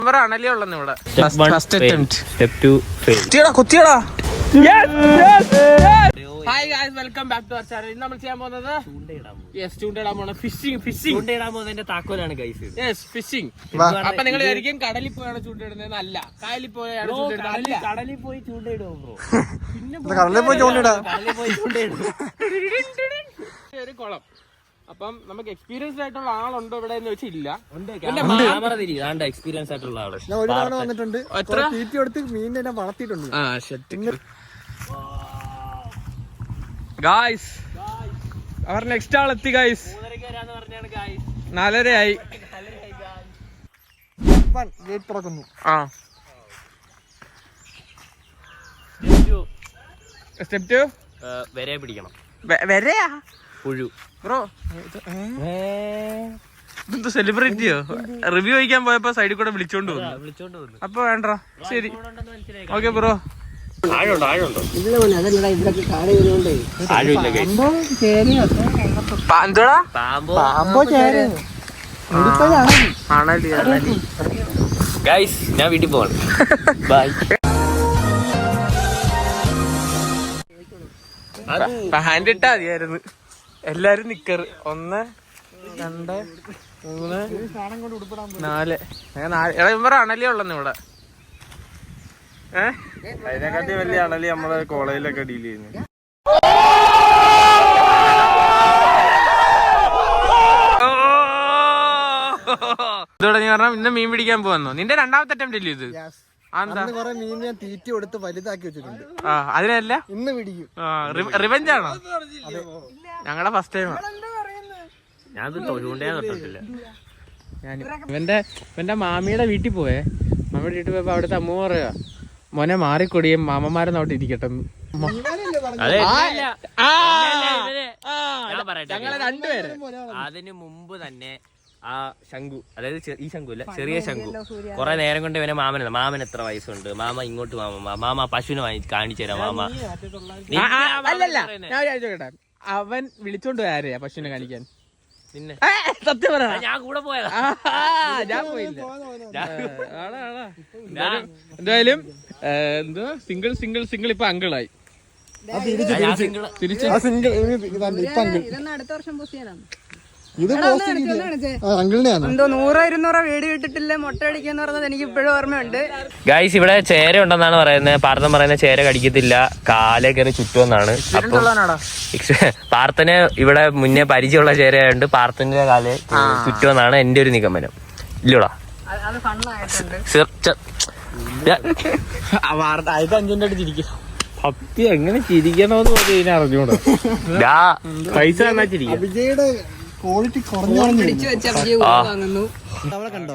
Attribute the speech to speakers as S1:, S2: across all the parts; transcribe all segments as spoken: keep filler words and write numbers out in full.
S1: Hi guys, welcome back to our channel. നമ്മൾ ചെയ്യാൻ പോകുന്നത് യെസ് ചൂണ്ടയിടാൻ പോണ ഫിഷിംഗ് ഫിഷിംഗ് ചൂണ്ടയിടാൻ പോകുന്നതിന്റെ താക്കോലാണ് ഗൈസ്. Yes phishing. അപ്പൊ നിങ്ങൾ വിചാരിക്കും കടലിൽ പോയാണ് ചൂണ്ടയിടുന്നത്. അല്ല, കായലിൽ പോയാണ് ചൂണ്ടയിടുന്നത്. കടലിൽ പോയി ചൂണ്ടയിടുമോ ബ്രോ? പിന്നെ കടലിൽ പോയി ചൂണ്ടയിടാം. കടലിൽ പോയി ചൂണ്ടയിടും. ഒരു കുളം. അപ്പം നമുക്ക് എക്സ്പീരിയൻസ് ആയിട്ടുള്ള ആളുണ്ടോ ഇവിടെ എന്ന് വെച്ചില്ല. എക്സ്പീരിയൻസ് ആയിട്ടുള്ള ആള് ഞാൻ ഒരു തവണ വന്നിട്ടുണ്ട്. തീറ്റി കൊടുത്ത് മീനിനെ വളർത്തിയിട്ടുണ്ട്. ആ ശരി ഗായ്സ്, അവർ നെക്സ്റ്റ് ആൾ എത്തി ഗായ്സ്. നാലരയായി. ഗേറ്റ് തുറക്കുന്നു. ആ സ്റ്റെപ്പ് ടു വരെ പിടിക്കണം. വരെയാ പുഴു ബ്രോ. ഇതെന്താ സെലിബ്രിറ്റിയോ? റിവ്യൂ കഴിക്കാൻ പോയപ്പോ സൈഡിൽ കൂടെ വിളിച്ചോണ്ട് വന്നു. വിളിച്ചോണ്ട് വന്നു അപ്പൊ വേണ്ട. ശരി ഓക്കെ ബ്രോ. ആഴുണ്ടോ ആഴുണ്ടോ ഗൈസ്, ഞാൻ വീട്ടിൽ പോവാണ്. ബൈ. ഹാൻഡ് ഇട്ടാ മതിയായിരുന്നു. എല്ലാരും നിക്കറ്. ഒന്ന് രണ്ട് മൂന്ന് നാല്. ഇവർ അണലി ഉള്ളന്ന് ഇവിടെ. അതിനെക്കാട്ടി വലിയ അണലി നമ്മളെ കോളേജിലൊക്കെ ഡീൽ ചെയ്യുന്നത്. ഇതോടെ നീ പറഞ്ഞ ഇന്ന് മീൻ പിടിക്കാൻ പോവന്നോ? നിന്റെ രണ്ടാമത്തെ അറ്റംപ്റ്റ് അല്ലേ ഇത്? മീൻ ഞാൻ തീറ്റി കൊടുത്ത് വലുതാക്കി വെച്ചിട്ടുണ്ട്. ആ അതിനല്ല ഇന്ന് പിടിക്കും. റിവെഞ്ച് ആണോ? ഞങ്ങളുടെ ഫസ്റ്റ് ടൈം. ഞാൻ ഇവന്റെ ഇവന്റെ മാമിയുടെ വീട്ടിൽ പോയേ. മാമിയുടെ വീട്ടിൽ പോയപ്പോ അവിടുത്തെ അമ്മ പറയാ, മോനെ മാറിക്കൊടിയും മാമന്മാരെ നോട്ട് ഇരിക്കട്ടെ. അതിന് മുമ്പ് തന്നെ ആ ശംഖു, അതായത് ഈ ശംഖു അല്ല, ചെറിയ ശംഖു, കൊറേ നേരം കൊണ്ട് ഇവനെ മാമന മാമൻ എത്ര വയസ്സുണ്ട്, മാമ ഇങ്ങോട്ട് മാമ മാമ പശുവിനെ വാങ്ങി കാണിച്ചു തരാം മാമ. അല്ലല്ല, അവൻ വിളിച്ചോണ്ട് പോയ ആരെയാ പശുവിനെ കാണിക്കാൻ? പിന്നെ സത്യം പറ, ഞാൻ കൂടെ പോയതാ. ഞാൻ പോയില്ല. എന്തായാലും എന്തോ സിംഗിൾ സിംഗിൾ സിംഗിൾ ഇപ്പൊ അങ്കിളായി. തിരിച്ച് അടുത്ത വർഷം എന്തോ നൂറോ ഇരുന്നൂറോ വീട് കിട്ടിട്ടില്ല മുട്ട അടിക്കാന്ന് പറഞ്ഞത് എനിക്ക് ഇപ്പോഴും ഓർമ്മയുണ്ട്. ഗൈസ്, ഇവിടെ ചേര ഉണ്ടെന്നാണ് പറയുന്നത്. പാർത്ഥൻ പറയുന്ന ചേര കടിക്കത്തില്ല, കാലേ കയറി ചുറ്റുമെന്നാണ്. അപ്പൊ പാർത്ഥന് ഇവിടെ മുന്നേ പരിചയമുള്ള ചേരയുണ്ട്, പാർത്ഥന്റെ കാലേ ചുറ്റുമെന്നാണ് എന്റെ ഒരു നിഗമനം. ഇല്ലടാ അഞ്ചിന്റെ അടുത്ത് ചിരിക്കും. ഭക്തി എങ്ങനെ ചിരിക്കണോന്ന് പറഞ്ഞ് ഇതിനെ അറിഞ്ഞൂടാ. പൈസ തന്നാ ചിരിക്കും. ക്വാളിറ്റി കുറഞ്ഞു. അവിടെ കണ്ടോ?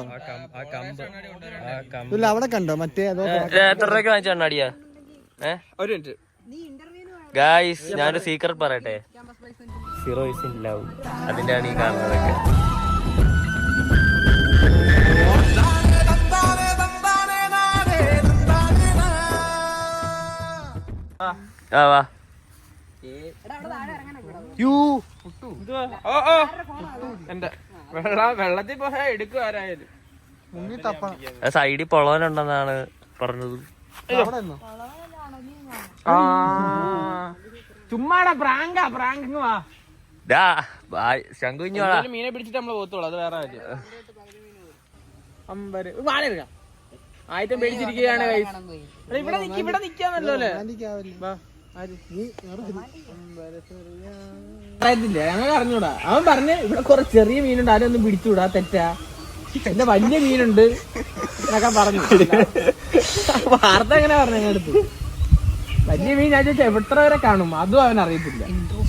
S1: ഇല്ല അവിടെ കണ്ടോ? മറ്റേ എത്ര രൂപയ്ക്ക് വാങ്ങിച്ച കണ്ണാടിയാ? ഒരു മിനിറ്റ് ഗായ്സ്, ഞാനൊരു സീക്രട്ട് പറയട്ടെ. Zero is in love. അതിന്റെ ആണ് ഈ കാണുന്നതൊക്കെ. ആ വാ. വെള്ളത്തിൽ പോയാ എടുക്കും ആരായാലും. സൈഡിൽ പൊളവനുണ്ടെന്നാണ് പറഞ്ഞത്. ചുമ്മാടാ പ്രാങ്കാ പ്രാങ്ക്. വാ ശങ്കുഞ്ഞു മീനെ പിടിച്ചിട്ട് നമ്മള് പോത്തോളൂ. അത് വേറെ കാര്യം. അമ്പര് ആയിരം പേടിച്ചിരിക്കുകയാണ്. ഇവിടെ നിക്ക് ഇവിടെ നിക്കാന്നല്ലോ അല്ലേ? അറിയത്തില്ല, ഞങ്ങൾ അറിഞ്ഞൂടാ. അവൻ പറഞ്ഞ് ഇവിടെ കുറെ ചെറിയ മീനുണ്ട്, ആരും ഒന്നും പിടിച്ചുകൂടാ, തെറ്റാ. എന്റെ വലിയ മീനുണ്ട് എന്നൊക്കെ പറഞ്ഞു. വാർത്ത എങ്ങനെ പറഞ്ഞു ഞങ്ങളുടെ അടുത്ത്? വലിയ മീൻ ഞാൻ ചോദിച്ചാൽ എത്ര വരെ കാണും അതും അവൻ അറിയത്തില്ല.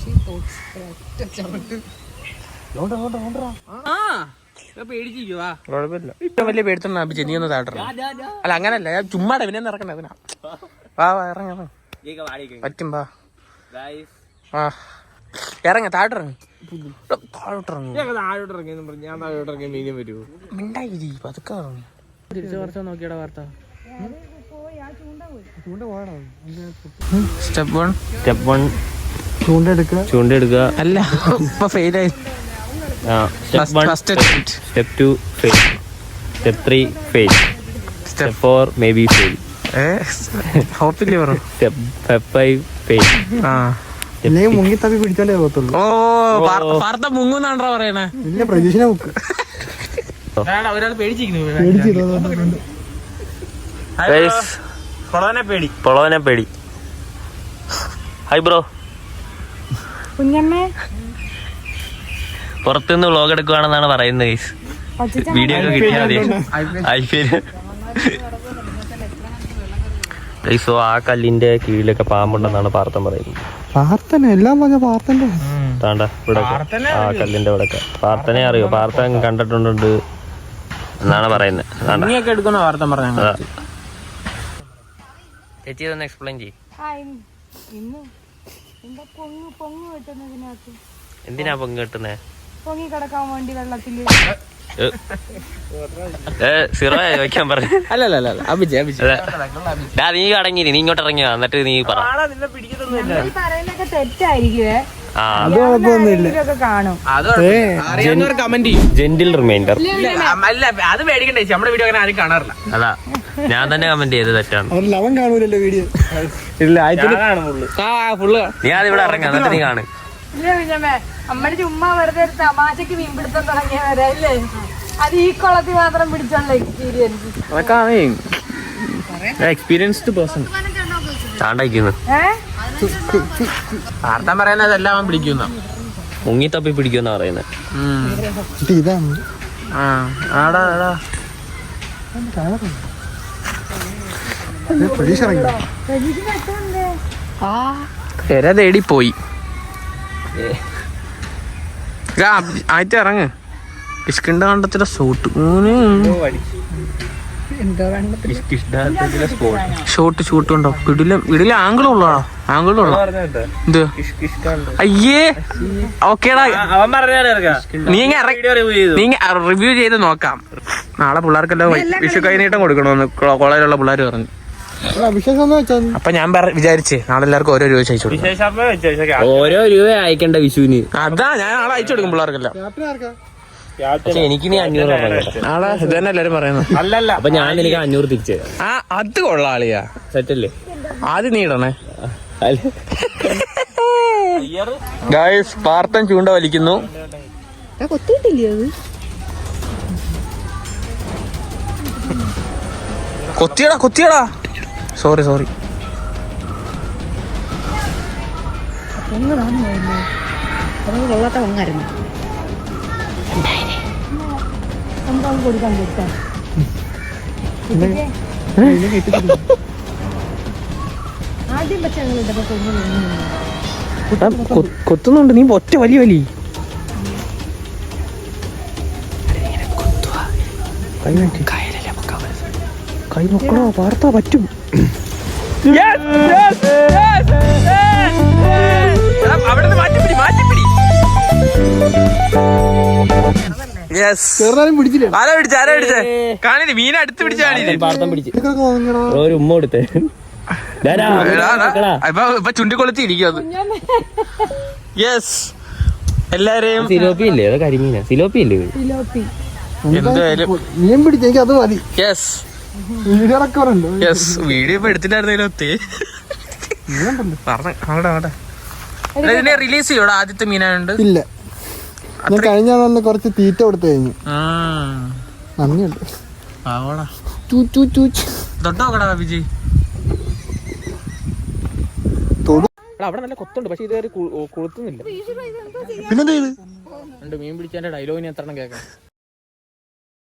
S1: ആ പേടിച്ചിരിക്കുവാ. കുഴപ്പമില്ല. ഇപ്പൊ വലിയ പേടിത്തന്നെ നീ ഒന്ന് താട്ടറ. അല്ല അങ്ങനല്ല, ഞാൻ ചുമ്മാടെ പിന്നെ ഇറക്കണേ അതിനാ. വാ വാ ഇറങ്ങ പറ്റും. വാ ആ ഇറങ്ങ താഴോട്ടിറങ്ങി. താഴോട്ടിറങ്ങി താഴോട്ടിറങ്ങിയെന്ന് പറഞ്ഞു. ഞാൻ താഴോട്ടിറങ്ങിയ മീനും വരുമോ? മിണ്ടായി പതുക്കെ ഇറങ്ങി. തിരിച്ചു കുറച്ചാ നോക്കിയടാ വാർത്ത. സ്റ്റെപ്പ് വൺ സ്റ്റെപ്പ് വൺ ചൂണ്ടെടുക്കുക ചൂണ്ടെടുക്കുക അല്ല ഇപ്പൊ ഫെയിലായി. Step two fail, step three fail,
S2: step four maybe fail.
S3: ഹോപ്പില്ലേ പറ
S2: സ്റ്റെപ്പ് ഫൈവ് ഫെയിൽ.
S3: ആ
S4: മുങ്ങി തപ്പി പിടിച്ചാലേ പോകത്തുള്ളൂ.
S3: ഓ പാർത്ത മുങ്ങുന്നാണ്ടാ പറയണേ.
S4: ഇല്ല പ്രതീക്ഷനെ മുക്ക്
S1: ഒരാൾ പേടിച്ചിരിക്കുന്നു.
S2: പൊളവനെ പേടി പൊളവനെ പേടി. Hi bro. പുറത്തുനിന്ന് വ്ളോഗ് എടുക്കുവാണെന്നാണ് പറയുന്നത് ഗൈസ്. വീഡിയോ ഒക്കെ കിട്ടിയാൽ മതി. ഐ പി എൽ ഗൈസോ ആ കല്ലിന്റെ കീഴിലൊക്കെ പാമ്പുണ്ടെന്നാണ് പാർത്ഥൻ പറയുന്നത്.
S4: പ്രാർത്ഥന എല്ലാം പറഞ്ഞ പ്രാർത്ഥന
S2: താണ്ട ഇവിടെ ആ കല്ലിന്റെ ഇവിടെ പാർത്ഥനെ അറിയോ? പാർത്ഥൻ കണ്ടിട്ടുണ്ട് എന്നാണ് പറയുന്നത്.
S1: എടുക്കുന്ന വാർത്ത പറഞ്ഞ
S2: ചേച്ചി ഇതൊന്ന് എക്സ്പ്ലെയിൻ ചെയ്യും. എന്തിനാ പൊങ്ങ് കെട്ടുന്നേ?
S5: പൊങ്ങി കിടക്കാൻ വേണ്ടി വെള്ളത്തില്
S2: ചോദിക്കാൻ പറഞ്ഞു.
S1: അല്ലല്ല
S2: നീ അടങ്ങി നീ ഇങ്ങോട്ട് ഇറങ്ങിയോ എന്നിട്ട് നീ പറ.
S5: ഈ പറയുന്നൊക്കെ തെറ്റായിരിക്കുവേ.
S2: ആ
S5: ഇതൊക്കെ കാണും.
S1: കമന്റ് ചെയ്യും.
S2: Gentle reminder.
S1: അല്ല അത് പേടിക്കണ്ടേ, നമ്മുടെ വീഡിയോ അങ്ങനെ ആരും കാണാറില്ല.
S2: അതാ ഞാൻ തന്നെ കമന്റ് ചെയ്ത് തെറ്റാണ്.
S4: ലവൻ കാണൂലല്ലോ വീഡിയോ.
S2: നീ അത് ഇവിടെ ഇറങ്ങാ എന്നിട്ട് നീ കാണും.
S5: ഇല്ല പിന്നെ അമ്മയുടെ ചുമ്മാ വെറുതെ ഒരു തമാശക്ക് മീൻ പിടുത്തം തുടങ്ങിയവരെ അല്ലേ? അത് ഈ കുളത്തിൽ മാത്രം പിടിച്ചുള്ള എക്സ്പീരിയൻസ്.
S1: എക്സ്പീരിയൻസ്ഡ് പേഴ്സൺ
S2: ചാണ്ടയ്ക്കുന്നു.
S1: വാർത്ത പറയുന്നത് എല്ലാം അവൻ പിടിക്കുന്ന
S2: മുങ്ങി തപ്പി പിടിക്കുമെന്നാ പറയുന്നത്.
S4: ഇതാണ് പ്രതീക്ഷ ഇറങ്ങി
S1: പെര തേടി പോയി. ആയിട്ട് ഇറങ്ങ്. കിഷ്കിണ്ട കണ്ടത്തിലെ സൂട്ട് ഷോട്ട് ഷൂട്ട് ഉണ്ടോ? ഇടില ഇടില ആംഗിളുള്ളോ? ആംഗിളുള്ള എന്ത്? അയ്യേ ഓക്കേടാ, നീ നീ റിവ്യൂ ചെയ്ത് നോക്കാം. നാളെ പിള്ളേർക്കെല്ലാം വിഷു കൈനീട്ടം കൊടുക്കണമെന്ന് കോളേജിലുള്ള പിള്ളേർ പറഞ്ഞു. അപ്പൊ ഞാൻ വിചാരിച്ചേ നാളെ എല്ലാവർക്കും ഓരോ രൂപ അയച്ചു കൊടുക്കും.
S2: ഓരോ രൂപ അയക്കണ്ട വിഷുവിന്.
S1: അതാ ഞാൻ നാളെ അയച്ചു കൊടുക്കും പിള്ളേർക്കെല്ലാം.
S2: പക്ഷെ എനിക്ക് നീ അഞ്ഞൂറ്
S1: നാളെ ഇത് തന്നെ എല്ലാരും പറയുന്നത്.
S2: അല്ലല്ല അപ്പൊ ഞാൻ എനിക്ക് അഞ്ഞൂറ് തിരിച്ചു തരാം.
S1: ആ അത് കൊള്ളാം അളിയാ.
S2: സെറ്റല്ലേ?
S1: ആദ്യം നീ ഇടണേ. ഗായ്സ് പാർത്ഥൻ ചൂണ്ട വലിക്കുന്നു. കൊത്തിയടാ കൊത്തിയടാ. Sorry sorry.
S5: കൊടുക്കാൻ കൊടുക്കാൻ ആദ്യം പക്ഷെ
S1: കൊത്തുന്നുണ്ട്. നീ ഒറ്റ വലിയ വലി കൈ നോക്കണോ? വാർത്താ പറ്റും. അവിടെ മാറ്റിപ്പിടി മാറ്റിപ്പിടി.
S4: ചെറുതാനും പിടിച്ചില്ല.
S1: ആരാ പിടിച്ച ആരാ പിടിച്ചേ? കാണില്ല മീനെ അടുത്ത് പിടിച്ചാണ്.
S2: പാർത്ഥൻ പിടിച്ച് ഒരു ഉമ്മ കൊടുത്തേ.
S1: ഇപ്പൊ ചുണ്ടിക്കൊളുത്തി ഇരിക്കും അത്. യെസ് എല്ലാരെയും
S2: സിലോപ്പി ഇല്ലേ? അത് കരിമീനാ. സിലോപ്പി ഇല്ലേ?
S1: എന്തായാലും
S4: മീൻ പിടിച്ച എനിക്ക് അത് മതി.
S1: യെസ്
S4: വീഡിയോ റെക്കോർഡുണ്ട്.
S1: യെസ് വീഡിയോ ഇപ്പൊ എടുത്തിട്ടായിരുന്നല്ലോ. ഒത്തേ പറഞ്ഞ അവിടെ അവിടെ ഇതിനെ റിലീസ് ചെയ്യോടാ. ആദ്യത്തെ മീനായുണ്ട്.
S4: ഇല്ല ഞാൻ കഴിഞ്ഞ തന്നെ കുറച്ച് തീറ്റ കൊടുത്തു കഴിഞ്ഞു. നന്ദിയുണ്ട്.
S1: തൊട്ടോക്കടാ വിജയ്. അവിടെ നല്ല കൊത്തുണ്ട് പക്ഷെ ഇത് കൊളുത്തുന്നില്ല.
S4: പിന്നെന്താ
S1: മീൻ പിടിച്ചതിന്റെ ഡയലോഗിന് എത്ര കേൾക്കാം.